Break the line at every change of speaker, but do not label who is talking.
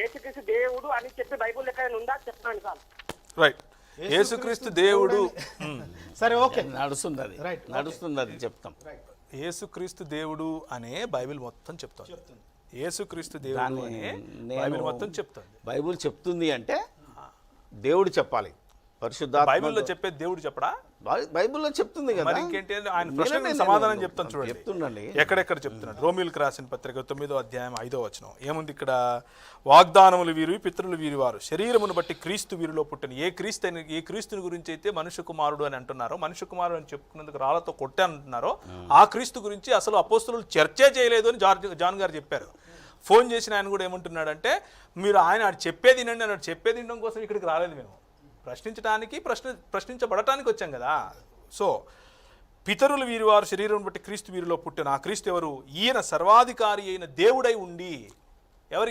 యేసుక్రీస్తు దేవుడు అని చెప్పి బైబుల్ ఎక్కడైనా ఉందా చెప్పండి సార్.
రైట్, యేసుక్రీస్తు దేవుడు.
సరే, ఓకే,
నడుస్తుంది అది,
రైట్,
నడుస్తుంది అది చెప్తాం.
యేసుక్రీస్తు దేవుడు అనే బైబిల్ మొత్తం చెప్తుంది. యేసుక్రీస్తు దేవుడు అనే బైబిల్ మొత్తం చెప్తుంది.
బైబిల్ చెప్తుంది అంటే దేవుడు చెప్పాలి. పరిశుద్ధాత్మ
బైబిల్లో చెప్పేది దేవుడు చెప్పడా?
బైబిల్లో చెప్తుంది కదా.
మరి ఇంకేంటి? ఆయన ప్రశ్నకు సమాధానం చెప్తాను చూడండి.
చెప్తుండండి.
ఎక్కడెక్కడ చెప్తున్నాడు? రోమిలకు రాసిన పత్రిక 9వ అధ్యాయం 5వ వచనం ఏముంది ఇక్కడ? వాగ్దానములు వీరు, పితరులు వీరి వారు, శరీరమును బట్టి క్రీస్తు వీరిలో పుట్టిన. ఏ క్రీస్తుని గురించి అయితే మనుష్య కుమారుడు అని అంటున్నారో, మనుష్య కుమారుడు అని చెప్పుకున్నందుకు రాళ్లతో కొట్టే అంటున్నారో, ఆ క్రీస్తు గురించి అసలు అపోస్తలులు చర్చే చేయలేదు అని జాన్ గారు చెప్పారు. ఫోన్ చేసిన ఆయన కూడా ఏమంటున్నాడంటే, మీరు ఆయన చెప్పేది వినండి అన్నాడు. చెప్పేది వినడం కోసం ఇక్కడికి రాలేదు, మేము ప్రశ్నించడానికి, ప్రశ్నించబడటానికి వచ్చాం కదా. సో పితరులు వీరివారు, శరీరం బట్టి క్రీస్తు వీరిలో పుట్టిన. ఆ క్రీస్తు ఎవరు? ఈయన సర్వాధికారి అయిన దేవుడై ఉండి